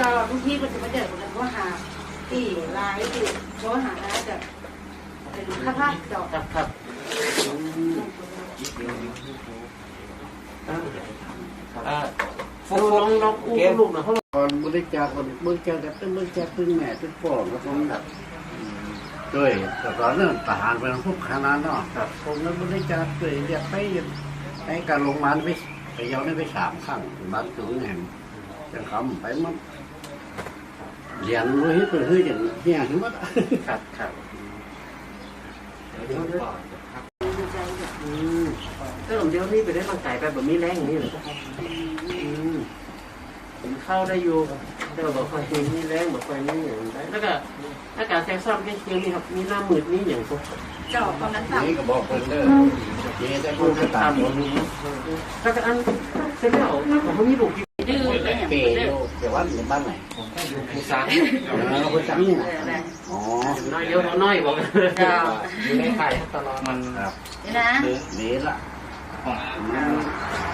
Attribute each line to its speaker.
Speaker 1: จะทุกที่มันจะไม่เดือดกันว่าหาที่ลายที่เพราะหาแล้วจะเป็นค่าภาพดอก
Speaker 2: ครับฟูลองกู้ลูกนะเขา
Speaker 3: ก่อนบริจาคก่อนบริจาคแต่เป็นบริจาคตึงแม่ตึงพ่อแล้วผมด้วยแต่ตอนนั้นทหารเป็นพวกขนาดเนาะผมนั้นบริจาคด้วยอยากไปการลงมาไปยาวได้ไป3 ครั้งบ้านถึงแห่งจังคำไปมันเรียนรู้ให้เป็นเฮ้ยอย่างเฮียถึงว่า
Speaker 2: ครับก็ผมเดี๋ยวนี้ไปได้ร่างกายไปแบบมีแรงอย่างนี้เลยผมเข้าได้อยู่แต่แบบคอยมีแรงแบบคอยนี่อย่างไรแล้วก็อากาศแทรกซ้ำก็ยังมีครับมีหน้ามืดนี่อย่างพวก
Speaker 1: เจาะตอนนั้น
Speaker 3: นี่ก็บอกคนเด้อเจ๊ได้คนก็ตามคน
Speaker 2: แล้วก็อันเสร็จแล้วผมมีลูก
Speaker 1: ดื้อเลย
Speaker 3: เปย์อยู่แต่ว่าอยู่บ้านไหน
Speaker 2: อยู่ภูซาน
Speaker 3: ภูซานนี่อ๋อ
Speaker 2: น้อยเยอะน้อยบอกอยู่ในไข่ตลอดมัน
Speaker 1: นี่นะ
Speaker 3: นี่ละ